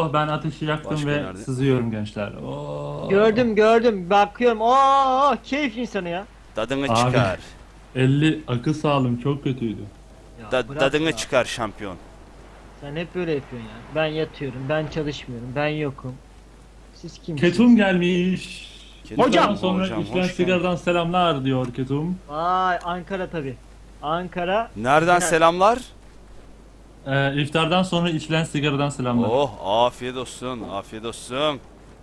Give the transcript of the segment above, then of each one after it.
Oh, ben ateşi yaktım Başka ve nerede? sızıyorum gençler. Oh. Gördüm bakıyorum. Oo, keyif insanı ya. Dadını Abi, çıkar. 50 akıl sağlığım çok kötüydü. Ya bırak Dadını ya. çıkar şampiyon. Sen hep böyle yapıyorsun ya. Ben yatıyorum, ben çalışmıyorum, ben yokum. Siz kimsiniz? Ketum gelmiş. Ketum Hocam! İftardan sonra Hocam, içilen hoş sigaradan selamlar diyor Ketum. Vay Ankara tabi. Ankara. Nereden Genel- selamlar? İftardan sonra içilen sigaradan selamlar. Oh, afiyet olsun, afiyet olsun.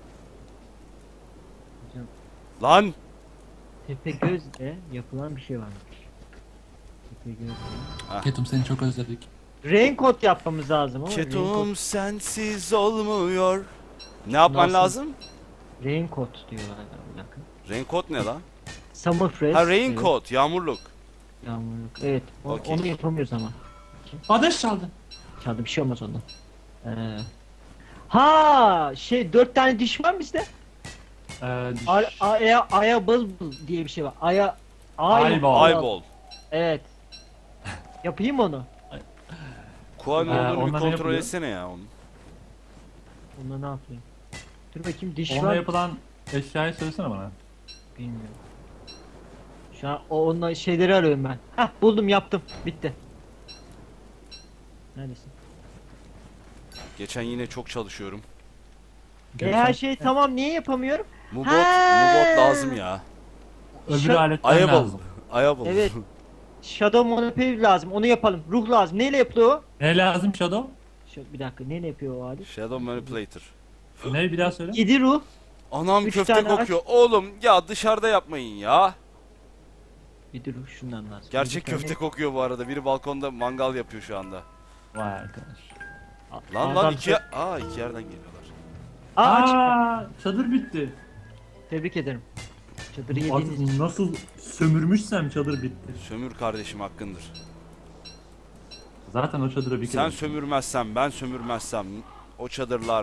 Hocam, Lan! Tepegöz'de yapılan bir şey varmış. Tepegöz'de. Ketum, seni çok özledik. Raincoat yapmamız lazım ama Ketum sensiz olmuyor. Ne yapman Nasıl? lazım? Raincoat diyorlar ya, bir dakika. Raincoat ne lan? Summer fresh. Ha, raincoat, yağmurluk. Evet, yağmurluk. Evet. Okey. Onu yapamıyoruz ama. Ateş çaldı. Çaldı bir şey olmaz ondan. Ha şey 4 tane diş var mı bizde? Aya bıl diye bir şey var. Eyeball. Eyeball. Evet. Yapayım onu. Kuan Ee, olduğunu bir onlar ne kontrol yapıyor? etsene ya onu. Onunla ne yapayım? Dur bakayım diş Onunla var. yapılan eşyayı söylesene bana. Bilmiyorum. Şu an onunla şeyleri arıyorum ben. Hah buldum yaptım. Bitti. Neredesin? Geçen yine çok çalışıyorum. Her şey tamam niye yapamıyorum? Mubot, Ha! mubot lazım ya. Öbür Şa- aletten Eyeball. lazım. Eyeball. Evet. Shadow Monopoly lazım. Onu yapalım. Ruh lazım. Neyle yapılıyor o? Ne lazım Shadow? Bir dakika. Neyle yapıyor o alet? Shadow Manipulator. Ne, bir daha söyle. 7 ruh. Anam 3 köfte tane kokuyor. Oğlum ya dışarıda yapmayın ya. 7 ruh şundan lazım. Gerçek Yedi tane- köfte kokuyor bu arada. Biri balkonda mangal yapıyor şu anda. Vay arkadaş. Lan Adam iki... Aa, iki yerden geliyorlar. Aa, Çadır bitti. tebrik ederim. Çadırı yediğiniz için. Artık nasıl sömürmüşsem çadır bitti. Sömür kardeşim, hakkındır. Zaten o çadıra bir kere. Sen sömürmezsen, ben sömürmezsem o çadırlar...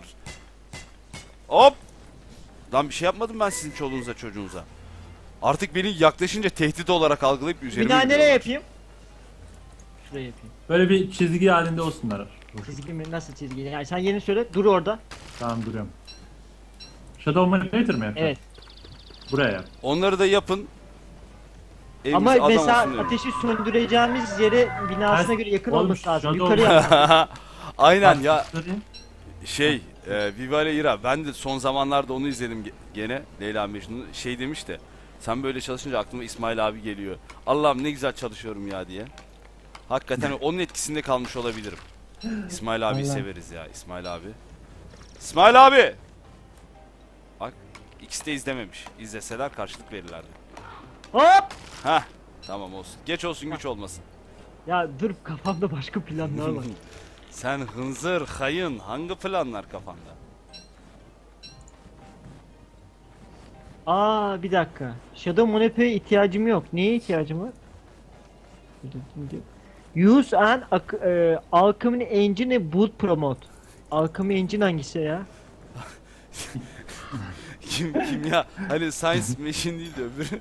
Hop! Lan bir şey yapmadım ben sizin çoluğunuza çocuğunuza. Artık beni yaklaşınca tehdit olarak algılayıp üzerime Bir daha nereye yürüyorlar. yapayım? Şuraya yapayım. Böyle bir çizgi halinde olsunlar. Çizgi mi? Nasıl çizgi? Yani sen yeni söyle. Dur orada. Tamam, duruyorum. Shadow Manipulator mı yapacaksın? Evet. Buraya yap. Onları da yapın. Evimiz Ama adam mesela olsun diyorum. ateşi söndüreceğimiz yere binasına göre yakın Oğlum, olması lazım. Shadow- Yukarı yap. Aynen ya. Söyleyeyim. Şey, Viva la Ira. Ben de son zamanlarda onu izledim gene. Leyla Mecnun'u. Şey demiş de. Sen böyle çalışınca aklıma İsmail abi geliyor. Allah'ım ne güzel çalışıyorum ya diye. Hakikaten onun etkisinde kalmış olabilirim. İsmail abiyi Allah. severiz ya, İsmail abi. İsmail abi! Bak, ikisi de izlememiş. İzleseler karşılık verirlerdi. Hop! Hah, tamam olsun. Geç olsun güç olmasın. Ya dur kafamda başka planlar var. Sen hınzır, hayın, hangi planlar kafanda? Aa bir dakika. Shadow Monopoly'e ihtiyacım yok. Neye ihtiyacım var? Use an Alchemy Engine Boot Promote. Alchemy Engine hangisi ya? Kim ya? Hani Science Machine değil de öbürü.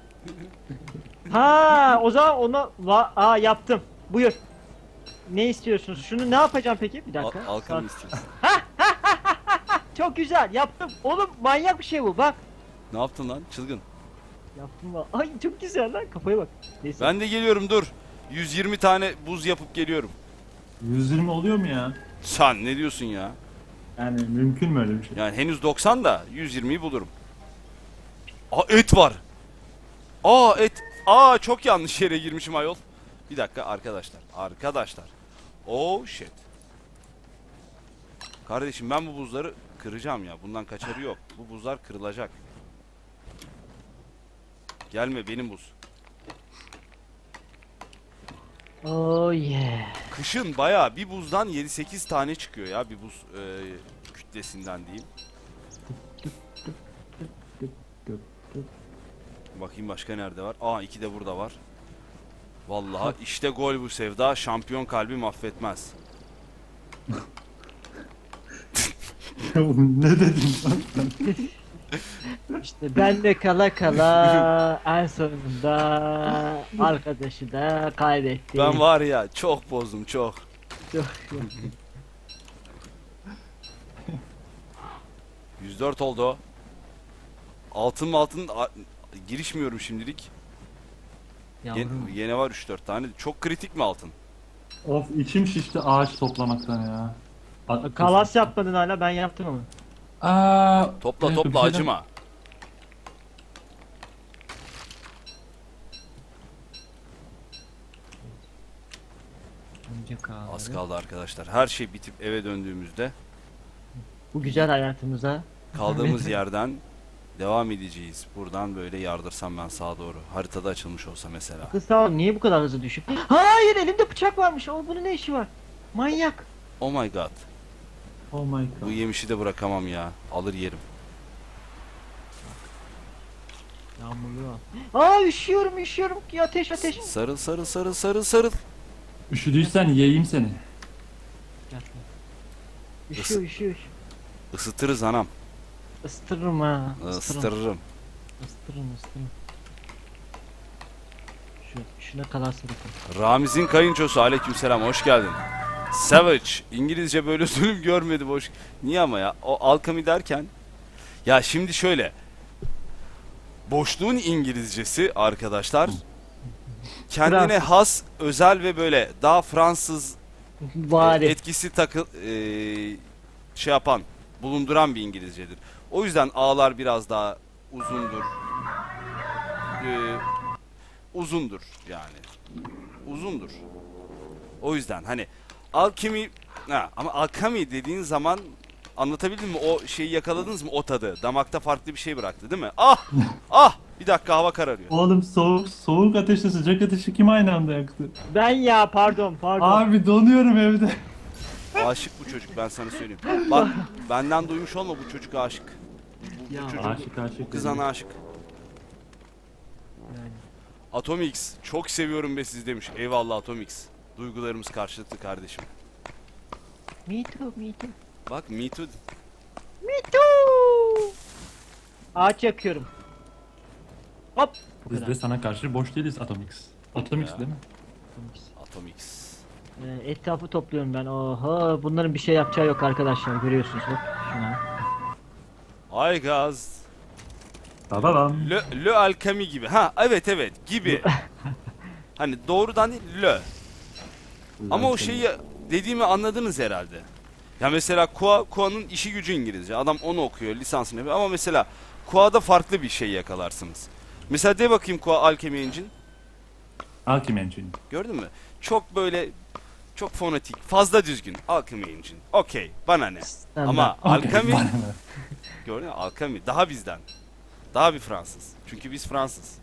Ha o zaman onu yaptım. Buyur. Ne istiyorsunuz? Şunu ne yapacağım peki? Bir dakika. Alkan Bak. istiyorsun. Çok güzel yaptım. Oğlum manyak bir şey bu bak. Ne yaptın lan? Çılgın. Yaptım bak. Ay çok güzel lan kafaya bak. Neyse. Ben de geliyorum dur. 120 tane buz yapıp geliyorum. 120 oluyor mu ya? Sen ne diyorsun ya? Yani mümkün mü öyle bir şey? Yani henüz 90 da 120'yi bulurum. Aa, et var. Aa, et. Aa, çok yanlış yere girmişim ayol. Bir dakika arkadaşlar. Arkadaşlar. Oh shit. Kardeşim ben bu buzları kıracağım ya. Bundan kaçarı yok. Bu buzlar kırılacak. Gelme benim buz. Oh yeah. Kışın bayağı bir buzdan 7-8 tane çıkıyor ya. Bir buz kütlesinden diyeyim. Bakayım başka nerede var? Aa, iki de burada var. Vallahi işte gol bu sevda. Şampiyon kalbi affetmez. Ne dedin lan? İşte ben de kala kala en sonunda arkadaşı da kaybettim. Ben var ya çok bozdum çok. Çok- 104 oldu o. Altın girişmiyorum şimdilik. Yavrum. Yine var 3-4 tane. Çok kritik mi altın? Of içim şişti ağaç toplamaktan ya. Kalas yapmadın hala, ben yaptım ama. Topla evet, topla bir şeyden- acıma. Önce kahve. Az kaldı arkadaşlar. Her şey bitip eve döndüğümüzde Bu güzel hayatımıza. kaldığımız yerden devam edeceğiz. Buradan böyle yardırsam ben sağa doğru. Haritada açılmış olsa mesela. Kız sağ ol, niye bu kadar hızlı düşüp? Hayır, elimde bıçak varmış. O bunun ne işi var? Manyak. Oh my god. Oh my Bu god. yemişi de bırakamam ya. Alır yerim. Yağmurlu al. Aa, üşüyorum ki, ateş. Sarıl sarıl sarıl sarıl sarıl. Üşüdüysen yiyeyim seni. Gel. Üşüyor. Isıtırız anam. Isıtırım ha. Isıtırırım. Isıtırım. Şuna kadar sırıtın. Ramiz'in kayınçosu aleykümselam hoş geldin. Savage İngilizce böyle zulüm görmedi boş. Niye ama ya? O alkemi derken ya şimdi şöyle. Boşluğun İngilizcesi arkadaşlar kendine Fransız. has, özel ve böyle daha Fransız Bari. etkisi şey yapan, bulunduran bir İngilizcedir. O yüzden A'lar biraz daha uzundur. Uzundur yani. Uzundur. O yüzden hani alkemi ama alkemi dediğin zaman anlatabildim mi? O şeyi yakaladınız mı? O tadı. Damakta farklı bir şey bıraktı değil mi? Ah! Bir dakika hava kararıyor. Oğlum soğuk ateşle sıcak ateşi kim aynı anda yaktı? Ben ya, pardon. Abi donuyorum evde. Aşık bu çocuk ben sana söyleyeyim. Bak benden duymuş olma bu çocuk aşık. Bu Ya, çocuk Aşık. bu kız ana aşık. Yani. Atomix çok seviyorum be siz demiş. Eyvallah Atomix. Duygularımız karşılıklı kardeşim. Me too. Bak me too. Ağaç yakıyorum. Hop. Bu Biz kadar. de sana karşı boş değiliz Atomix. Atomix Ya. değil mi? Atomix. Etrafı topluyorum ben. Oha, bunların bir şey yapacağı yok arkadaşlar, görüyorsunuz bak şuna. Ay gaz. Babam. Le alkemi gibi. Ha evet gibi. Hani doğrudan değil le. Ama o şeyi dediğimi anladınız herhalde. Ya mesela Kua'nın işi gücü İngilizce. Adam onu okuyor, lisansını yapıyor. Ama mesela Kua'da farklı bir şey yakalarsınız. Mesela de bakayım Kua Alchemy Engine. Alchemy Engine. Gördün mü? Çok böyle çok fonetik, fazla düzgün. Alchemy Engine. Okey, bana ne? Ama Alchemy Bana ne? gördün mü? Alchemy daha bizden. Daha bir Fransız. Çünkü biz Fransız.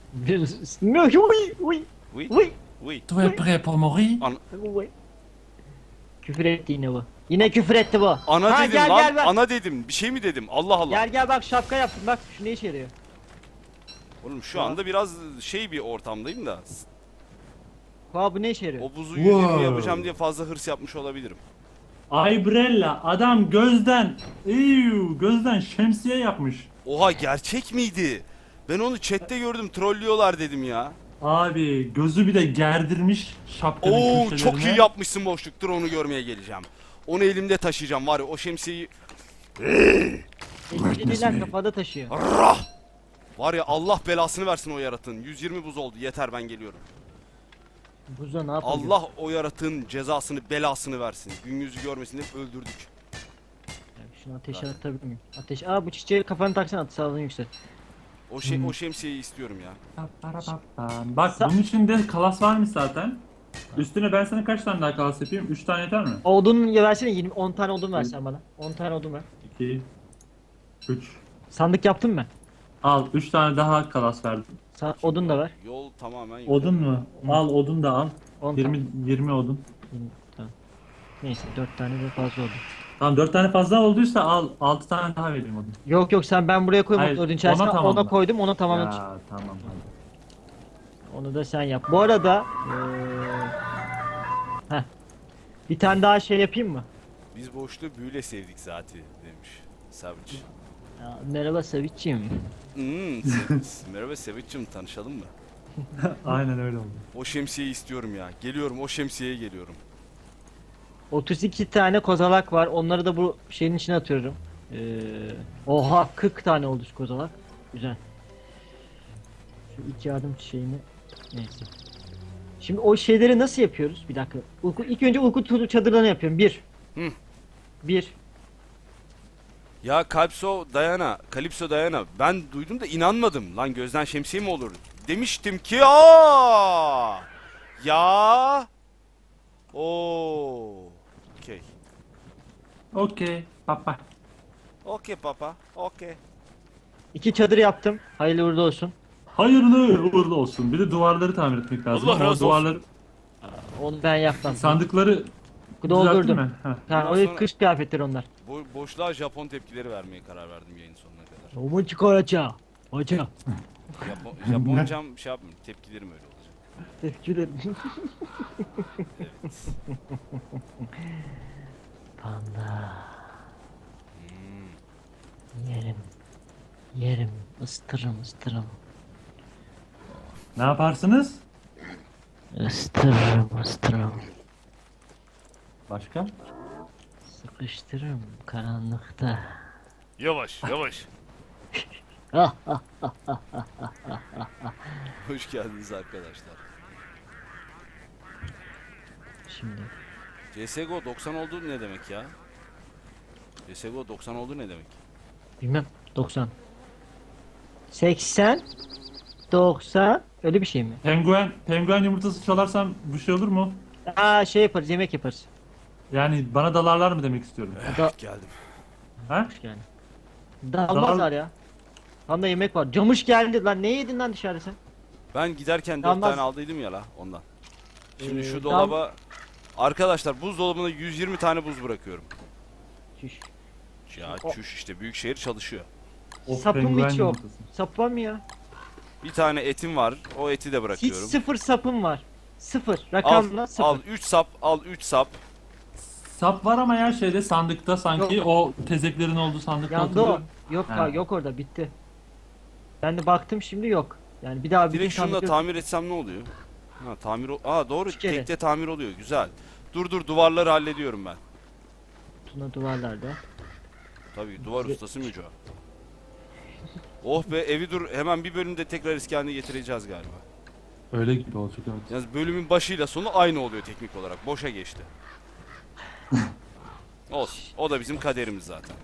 Uy. Oui. Oui. Tu es prêt pour mourir? Uy. Küfür etti yine bu. Yine küfür etti bu. Ana Ha, dedim gel, lan. gel, bak. Ana dedim. Bir şey mi dedim? Allah Allah. Gel bak, şapka yaptım bak, şu ne işe yarıyor. Oğlum şu anda biraz şey bir ortamdayım da. Koa, bu ne işe yarıyor? O buzu Wow. 120 yapacağım diye fazla hırs yapmış olabilirim. Aybrella adam gözden şemsiye yapmış. Oha gerçek miydi? Ben onu chatte gördüm. Trollüyorlar dedim ya. Abi gözü bir de gerdirmiş şapkanın Oo köşelerine. çok iyi yapmışsın boşluk. Dur onu görmeye geleceğim. Onu elimde taşıyacağım var ya o şemsiyeyi. Eskiciler kafada taşıyor. Rah! Var ya Allah belasını versin o yaratığın. 120 buz oldu. Yeter ben geliyorum. Buzda ne yapalım? Allah o yaratığın cezasını belasını versin. Gün yüzü görmesin hep öldürdük. Şunu ateşe Zaten. atabilir miyim? Ateş. Bu çiçeği kafanı taksana, at, sağlığın yüksel. O şemsiyeyi istiyorum ya. Bak bunun içinde kalas varmış zaten. Üstüne ben sana kaç tane daha kalas yapayım? 3 tane yeter mi? Odun versene, 10 tane odun versen bana. 10 tane odun ver. 2 3 Sandık yaptın mı? Al 3 tane daha kalas verdim. Odun da ver. Yol tamamen yok. Odun mu? Al odun da al. 10 20 odun. Tamam. Neyse, 4 tane de fazla oldu. Tamam 4 tane fazla olduysa al 6 tane daha vereyim odun. Yok sen, ben buraya koymadım Hayır, odun içerisine. ona tamamla. Ona koydum, onu tamamladım. Ya tamam hadi. Onu da sen yap. Bu arada bir tane daha şey yapayım mı? Biz boşluğu büyüle sevdik zaten demiş Savage. Ya, merhaba Savic'ciğim. Merhaba Savage'cim tanışalım mı? Aynen öyle oldu. O şemsiyeyi istiyorum ya. Geliyorum o şemsiyeye geliyorum. 32 tane kozalak var. Onları da bu şeyin içine atıyorum. Oha 40 tane oldu şu kozalak. Güzel. Şu ilk yardım şeyini neyse. Şimdi o şeyleri nasıl yapıyoruz? Bir dakika. İlk önce uyku çadırlarını yapıyorum. Bir. Hı. Bir. Ya Kalipso Dayana ben duydum da inanmadım. Lan gözden şemsiye mi olur? Demiştim ki ya. Oo. Okey. Okey. Papa. Okey papa. Okey. 2 çadır yaptım. Hayırlı uğurlu olsun. Hayırlı uğurlu olsun. Bir de duvarları tamir etmek lazım. Allah Ama o razı olsun. duvarları, Onu ben yapmam. sandıkları düzelttin Doldurdum. mi? Heh. Ha, Bundan o sonra- kış kıyafetleri onlar. Boşluğa Japon tepkileri vermeye karar verdim yayın sonuna kadar. Omun çıkaracağım. Hoca. Japoncam şey yapmıyorum. Tepkilerim öyle olacak. Teşekkür Evet. Panda. Hmm. Yerim. Yerim. Istırım ıstırım. Ne yaparsınız? Istırım ıstırım. Başka? Sıkıştırırım karanlıkta. Yavaş yavaş. Ah ah. Hoş geldiniz arkadaşlar. Şimdi. CSGO 90 oldu ne demek ya? CSGO 90 oldu ne demek? Bilmem. 90. 80. 90. Öyle bir şey mi? Penguen yumurtası çalarsam bir şey olur mu? Aa şey yaparız. Yemek yaparız. Yani bana dalarlar mı demek istiyorum. Da Geldim. Ha? yani. Dalmazlar ya. Tam da yemek var. Camış geldi lan. Ne yedin lan dışarıda sen? Ben giderken 4 Dalmaz. tane aldıydım ya la ondan. Şimdi şu Dal- dolaba arkadaşlar buzdolabına 120 tane buz bırakıyorum. Çüş. Ya O- çüş işte büyükşehir çalışıyor. Of, Sapım penguen hiç yok. yumurtası. Sap var mı ya? Bir tane etim var. O eti de Hiç bırakıyorum. sıfır sapım var. Sıfır. Al, Rakamla sıfır. al 3 sap, al 3 sap. Sap var ama ya şeyde sandıkta sanki Yok. o tezeklerin olduğu sandıkta Yandı o. hatırlıyorum. Yok Ha. yok orada bitti. Ben de baktım şimdi yok. Yani bir daha bir Direkt gün şunu da sandık- tamir etsem ne oluyor? Ha tamir Aa doğru Üç kere. tekte tamir oluyor. Güzel. Dur duvarları hallediyorum ben. Tuna duvarlarda. Tabii duvar Ye- ustası Müco. Oh be evi dur hemen bir bölümde tekrar eski haline getireceğiz galiba. Öyle gibi olacak evet. Yalnız bölümün başıyla sonu aynı oluyor teknik olarak. Boşa geçti. Olsun. O da bizim kaderimiz zaten.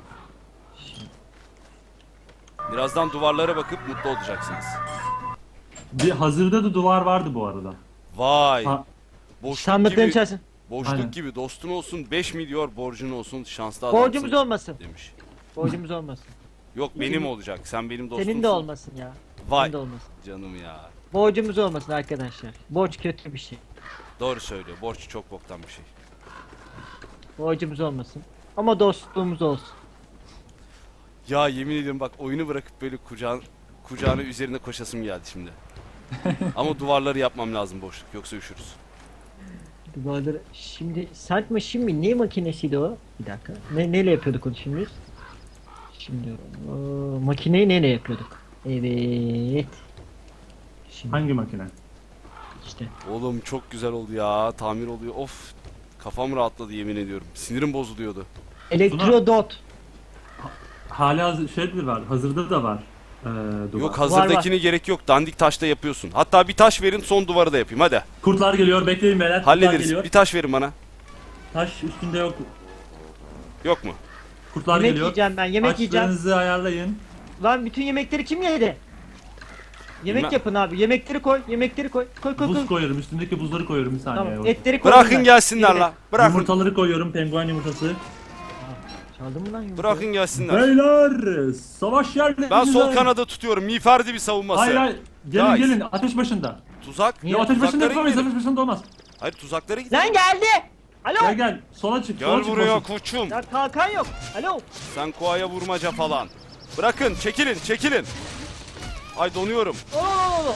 Birazdan duvarlara bakıp mutlu olacaksınız. Bir hazırda da duvar vardı bu arada. Vay. Ha. Boşluk Sandıkların gibi, içerisinde. boşluk Aynen. gibi dostun olsun 5 milyon borcun olsun şanslı adamsın Borcumuz olmasın. demiş. Borcumuz olmasın. Yok benim olacak. Sen benim dostumsun. Senin de olmasın ya. Vay Senin de olmasın. canım ya. Borcumuz olmasın arkadaşlar. Borç kötü bir şey. Doğru söylüyor. Borç çok boktan bir şey. Borcumuz olmasın. Ama dostluğumuz olsun. Ya yemin ediyorum bak oyunu bırakıp böyle kucağına üzerine koşasım geldi şimdi. Ama duvarları yapmam lazım boşluk yoksa üşürüz. Duvarları şimdi sert machine mi? Ne makinesiydi o? Bir dakika. Neyle yapıyorduk onu şimdi? Şimdi o, makineyi neyle yapıyorduk? Evet. Şimdi Hangi makine? işte. Oğlum çok güzel oldu ya. Tamir oluyor. Of. Kafam rahatladı yemin ediyorum. Sinirim bozuluyordu. Elektrodot. Hala şeydir var. Hazırda da var. Duvar. Yok hazırdakini gerek yok. Dandik taşta yapıyorsun. Hatta bir taş verin son duvarı da yapayım hadi. Kurtlar geliyor. Bekleyin beyler. Kurtlar Hallederiz. geliyor. Bir taş verin bana. Taş üstünde yok. Yok mu? Kurtlar Yemek geliyor. yiyeceğim ben. Yemek yiyeceğim. Açlarınızı ayarlayın. Lan bütün yemekleri kim yedi? Yemek Bilmem. yapın abi. Yemekleri koy. Yemekleri koy. Koy koy Buz koy. koyuyorum. Üstündeki buzları koyuyorum bir saniye. Tamam. Tamam. Etleri koy. Bırakın gelsinler la. Bırakın. Yumurtaları koyuyorum. Penguen yumurtası. Çaldın mı lan yumurtayı? Bırakın gelsinler. Beyler! Savaş yerlerinde. Ben sol kanadı tutuyorum. Miğferdi bir savunması. Hayır hayır. Gelin Guys. gelin. Ateş başında. Tuzak. Niye? Ya ateş başında Tuzaklara yapamayız. gidelim. Ateş başında olmaz. Hayır tuzaklara gidelim. Lan geldi. Alo. Gel gel. Sola çık. Sola Gel çık. buraya boşluk. koçum. Ya kalkan yok. Alo. Sen koaya vurmaca falan. Bırakın çekilin çekilin. Ay donuyorum. Oo.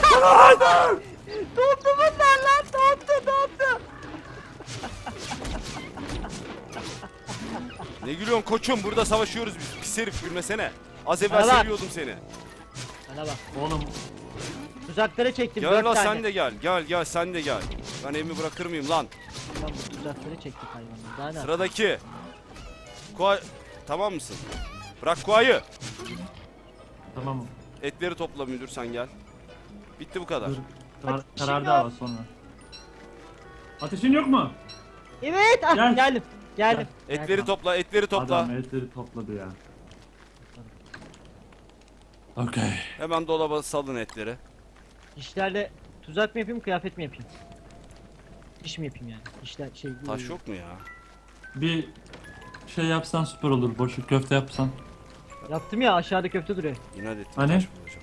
Dondu bunlar lan. Dondu. Ne gülüyorsun koçum burada savaşıyoruz biz. Pis herif gülmesene. Az evvel Bana bak. seviyordum seni. Bana bak. Oğlum Tuzaklara çektim. Gel 4 la tane. sen de gel. Gel sen de gel. Ben evimi bırakır mıyım lan? Tamam, tuzaklara çektik hayvanları. Daha ne? Sıradaki. Koay tamam mısın? Bırak kuayı. Tamam. Etleri topla müdür, sen gel. Bitti bu kadar. Dur. Ateşin Karardı yok. hava sonra. Ateşin yok mu? Evet, ah, Gel. geldim. Geldim. Etleri topla, etleri topla. Adam etleri topladı ya. Okey. Hemen dolaba salın etleri. İşlerle tuzak mı yapayım, kıyafet mi yapayım? İş mi yapayım yani? İşler şey... Taş yok mu ya? Bir şey yapsan süper olur. Boşluk köfte yapsan. Yaptım ya, aşağıda köfte duruyor. İnat ettim, Hani? taş bulacağım.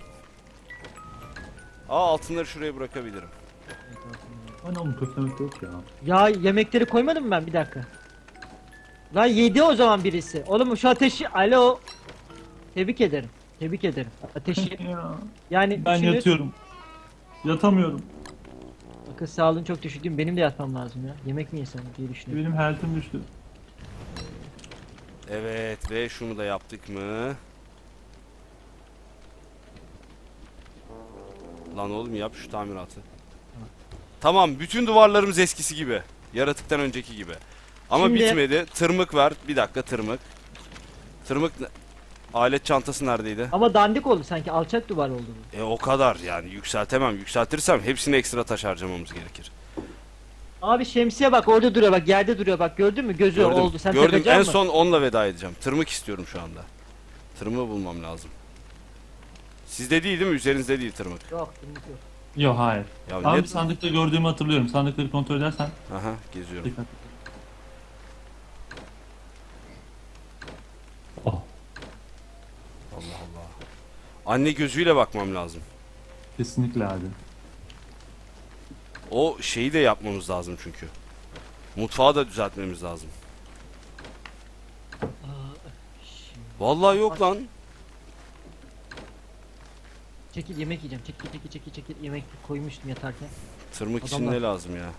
Aa, altınları şuraya bırakabilirim. Hani oğlum köfte yok ya. Ya yemekleri koymadım mı ben, bir dakika. Lan yedi o zaman birisi. Oğlum şu ateşi, alo. Tebrik ederim. Tebrik ederim. Ateşi Ya. yani Ben düşünün- yatıyorum. Yatamıyorum. Akıl sağlığın çok düşük değil mi? Benim de yatmam lazım ya. Yemek mi yesem diye düşünüyorum. Benim health'im düştü. Evet, ve şunu da yaptık mı? Lan oğlum, yap şu tamiratı. Tamam, bütün duvarlarımız eskisi gibi. Yaratıktan önceki gibi. Ama Şimdi- bitmedi. Tırmık var. Bir dakika, tırmık. Tırmık alet çantası neredeydi? Ama dandik oldu sanki, alçak duvar oldu bu. O kadar yani, yükseltemem. Yükseltirsem hepsini ekstra taş harcamamız gerekir. Abi şemsiye bak, orada duruyor bak, yerde duruyor bak, gördün mü? Gözü Gördüm. oldu. Sen Gördüm. takacaksın En mı? son onunla veda edeceğim. Tırmık istiyorum şu anda. Tırmığı bulmam lazım. Sizde değil mi? Üzerinizde değil tırmık. Yok, tırmık yok. Yok hayır. Ya Ama ne? bir sandıkta gördüğümü hatırlıyorum. Sandıkları kontrol edersen Aha, geziyorum. dikkat. Oh. Allah Allah. Anne gözüyle bakmam lazım. Kesinlikle abi. O şeyi de yapmamız lazım çünkü. Mutfağı da düzeltmemiz lazım. Vallahi yok lan. Çekil, yemek yiyeceğim. Çekil. Yemek koymuştum yatarken. Tırmık için Adamlar. ne lazım ya?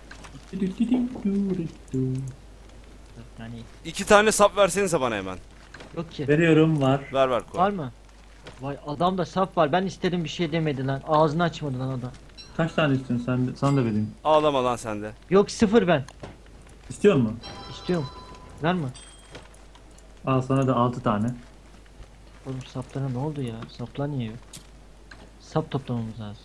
Yani 2 tane sap versenize bana hemen. yok ki. Veriyorum var. Ver ver koy. Var mı? Vay, adamda saf var. Ben istedim, bir şey demedi lan. Ağzını açmadı lan adam. Kaç tane istiyorsun sen? Sana da vereyim. Ağlama lan sen de. Yok, sıfır ben. İstiyor musun? İstiyorum. Ver mi? Al sana da 6 tane. Oğlum saplara ne oldu ya? Saplar niye yok? Sap toplamamız lazım.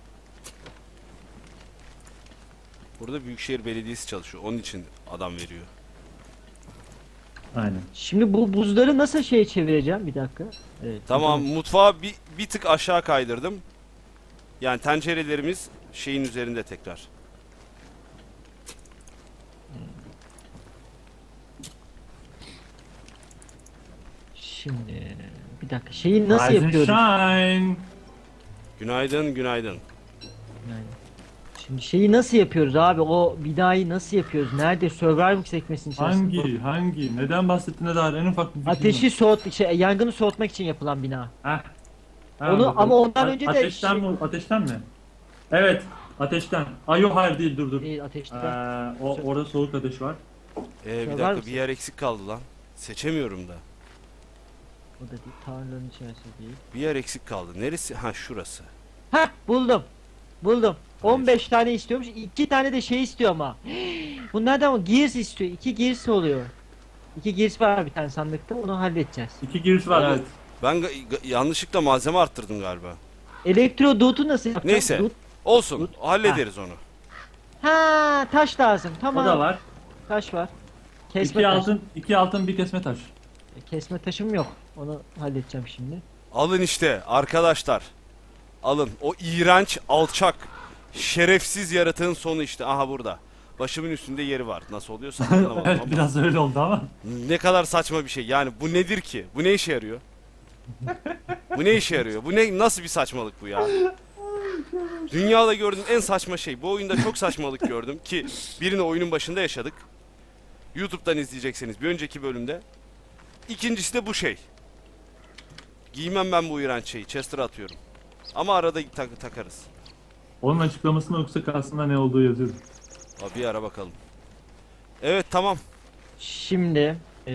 Burada Büyükşehir Belediyesi çalışıyor. Onun için adam veriyor. Aynen. Şimdi bu buzları nasıl şeye çevireceğim? Bir dakika. Evet. Tamam, mutfağı bir tık aşağı kaydırdım. Yani tencerelerimiz şeyin üzerinde tekrar. Şimdi bir dakika. Şeyi nasıl Rise and yapıyoruz? Shine. Günaydın, günaydın. Yani. Şimdi şeyi nasıl yapıyoruz abi? O binayı nasıl yapıyoruz? Nerede? Survival sekmesinin içerisinde. Hangi? Neden bahsettiğine dair en ufak bir fikrim Ateşi yangını soğutmak için yapılan bina. yok. Heh. Ha, Onu- bakalım. ama ondan önce de Ateşten şey- mi? Ateşten mi? Evet. Ateşten. Ay yok hayır değil dur. Değil, ateşte. Orada soğuk ateş var. Bir Var dakika, mısın? bir yer eksik kaldı lan. Seçemiyorum da. O da değil. Tanrıların içerisinde değil. Bir yer eksik kaldı. Neresi? Ha, şurası. Heh, buldum. Buldum. Hayır. 15 tane istiyormuş. 2 tane de şey istiyor ama. Bunlardan mı? Gears istiyor. 2 gears oluyor. 2 gears var bir tane sandıkta. Onu halledeceğiz. 2 giriş var Ama- evet. Ben yanlışlıkla malzeme arttırdım galiba. Elektro dutu nasıl yapacağız? Neyse. Dut- Olsun. Hallederiz onu. Ha, taş lazım. O Tamam. da var. Taş var. Kesme 2 taş. altın, 2 altın bir kesme taş. Kesme taşım yok. Onu halledeceğim şimdi. Alın işte arkadaşlar. Alın. O iğrenç, alçak, şerefsiz yaratığın sonu işte. Aha burada. Başımın üstünde yeri var. Nasıl oluyorsa anlamadım Evet ama. biraz öyle oldu ama. Ne kadar saçma bir şey. Yani bu nedir ki? Bu ne işe yarıyor? Bu ne işe yarıyor? Bu ne, nasıl bir saçmalık bu ya? Dünyada gördüğüm en saçma şey. Bu oyunda çok saçmalık gördüm ki birini oyunun başında yaşadık. YouTube'dan izleyecekseniz bir önceki bölümde. İkincisi de bu şey. Giymem ben bu iğrenç şeyi. Chester'a atıyorum. Ama arada takarız. Onun açıklamasında yoksa aslında ne olduğu yazıyor. Abi bir ara bakalım. Evet, tamam. Şimdi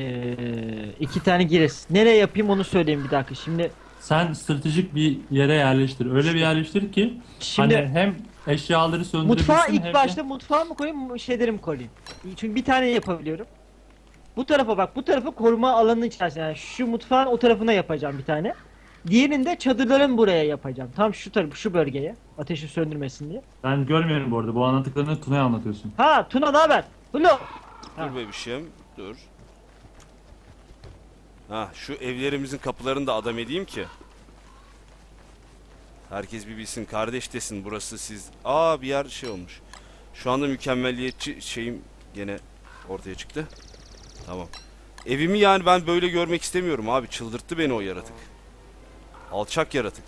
2 tane giriş. Nereye yapayım onu söyleyeyim bir dakika. Sen stratejik bir yere yerleştir. Öyle bir yerleştir ki Şimdi hani hem eşyaları söndürebilsin mutfağa hem ilk de- başta mutfağa mı koyayım, şeyleri mi koyayım? Çünkü bir tane yapabiliyorum. Bu tarafa bak, bu tarafı koruma alanının içerisinde. Yani şu mutfağın o tarafına yapacağım bir tane. Diğerini de çadırların buraya yapacağım. Tam şu tarafı, şu bölgeye. Ateşi söndürmesin diye. Ben görmüyorum bu arada. Bu anlattıklarını Tuna'ya anlatıyorsun. Ha Tuna ne haber? Halo. Ha. Dur bebişim, dur. Ha, şu evlerimizin kapılarını da adam edeyim ki. Herkes bir bilsin, kardeş desin, burası siz. Aa, bir yer şey olmuş. Şu anda mükemmelliyetçi şeyim gene ortaya çıktı. Tamam. Evimi yani ben böyle görmek istemiyorum abi. Çıldırttı beni o yaratık. Alçak yaratık.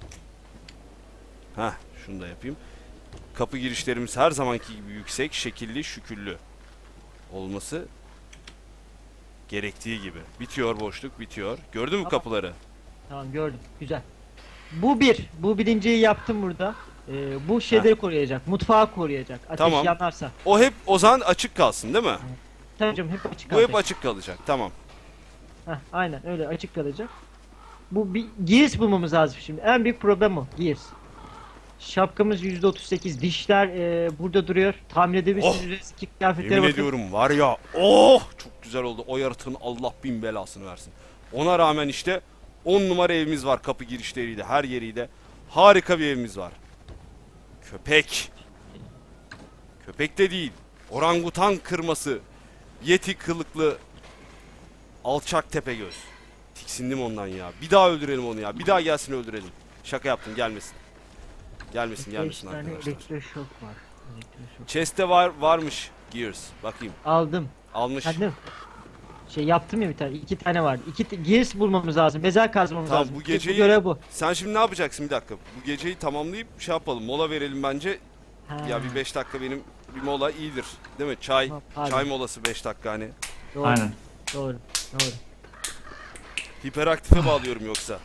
Heh, şunu da yapayım. Kapı girişlerimiz her zamanki gibi yüksek, şekilli, şüküllü olması gerektiği gibi. Bitiyor boşluk, bitiyor. Gördün mü Tamam. kapıları? Tamam gördüm. Güzel. Bu bir. Bu birinciyi yaptım burada. Bu şeyleri koruyacak. Mutfağı koruyacak. Ateş Tamam. yanarsa. O hep o zaman açık kalsın değil mi? Tabii canım hep açık Bu hep kalacak. açık kalacak. Tamam. Heh, aynen öyle açık kalacak. Bu bir gears bulmamız lazım şimdi. En büyük problem o. Gears. Şapkamız %38. Dişler burada duruyor. Tamir edebilirsiniz. Eski kıyafetlere Yemin bakın. ediyorum var ya. Oh! Çok güzel oldu. O yaratığın Allah bin belasını versin. Ona rağmen işte 10 numara evimiz var, kapı girişleriyle, her yeriyle. Harika bir evimiz var. Köpek. Köpek de değil. Orangutan kırması. Yeti kılıklı. Alçak Tepegöz. Tiksindim ondan ya. Bir daha öldürelim onu ya. Bir daha gelsin öldürelim. Şaka yaptım, gelmesin. Gelmesin, 5 gelmesin tane arkadaşlar. elektroşok var. Elektroşok. Chest'te varmış Gears. Bakayım. Aldım. Almış. Kendim. Şey yaptım ya bir tane. 2 tane vardı. Gears bulmamız lazım. Mezar kazmamız Tamam, lazım. bu Bu geceyi- görev bu. Sen şimdi ne yapacaksın bir dakika? Bu geceyi tamamlayıp şey yapalım. Mola verelim bence. Ha. Ya bir 5 dakika benim bir mola iyidir. Değil mi? Çay. Tamam, pardon. Çay molası 5 dakika hani. Doğru. Aynen. Doğru. Doğru. Hiperaktife bağlıyorum yoksa.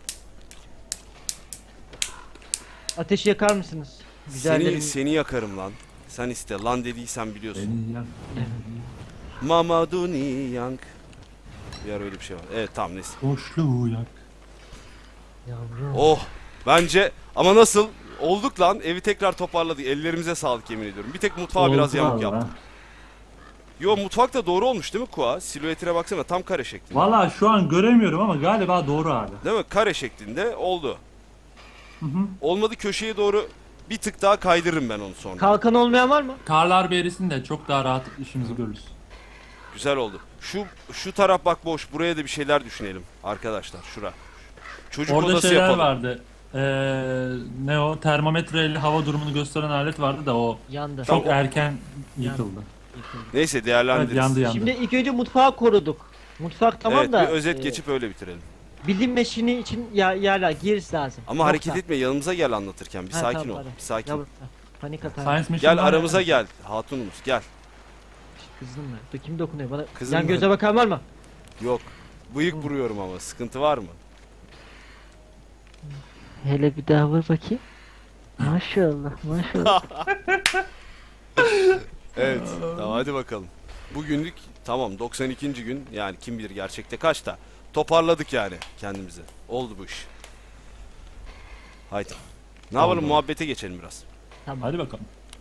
Ateşi yakar mısınız? Güzellerim. Seni yakarım lan. Sen iste. Lan dediysen biliyorsun. Beni yak. Mamadou Niang. Bir ara öyle bir şey var. Evet tamam neyse. Boşluğu yak. Yavrum. Oh. Bence ama nasıl? Olduk lan. Evi tekrar toparladık. Ellerimize sağlık yemin ediyorum. Bir tek mutfağı biraz Oldu yamuk valla. yaptım. Yo, mutfak da doğru olmuş değil mi Kua? Silüetine baksana, tam kare şeklinde. Valla şu an göremiyorum ama galiba doğru abi. Değil mi? Kare şeklinde oldu. Hı hı. Olmadı, köşeye doğru bir tık daha kaydırırım ben onu sonra. Kalkan olmayan var mı? Karlar bir de çok daha rahat işimizi görürüz. Güzel oldu. Şu taraf bak boş. Buraya da bir şeyler düşünelim arkadaşlar. Şura. Çocuk Orada odası şeyler yapalım. vardı. Ne o? Termometreyle hava durumunu gösteren alet vardı da o Yandı. çok Tamam. erken yıkıldı. Neyse, Evet, değerlendiririz. yandı. Şimdi ilk önce mutfağı koruduk. Mutfak tamam Evet, da bir özet e, geçip öyle bitirelim. bilim meşini için yerler Gears lazım. Ama hareket etme, yanımıza gel anlatırken. Bir Ha, sakin tamam, ol. pardon. Bir sakin. Yavrum, ha, panik atar. Science Mission Gel var aramıza ya. gel. Hatunumuz gel. Kızdım mı? Dur kim dokunuyor bana? Kızım Yan mı? göze bakan var mı? Yok. Bıyık vuruyorum ama. Sıkıntı var mı? Hele bir daha vur bakayım. Maşallah maşallah. Evet. Tamam, hadi bakalım. Bugünlük tamam, 92. gün, yani kim bilir gerçekte kaçta. Toparladık yani kendimizi. Oldu bu iş. Haydi. Ne yapalım, Oldu. muhabbete geçelim biraz. Tamam. Hadi bakalım.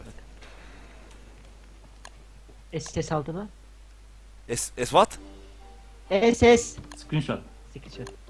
SS aldı mı? Es what? SS. Screenshot. Sıkıcı.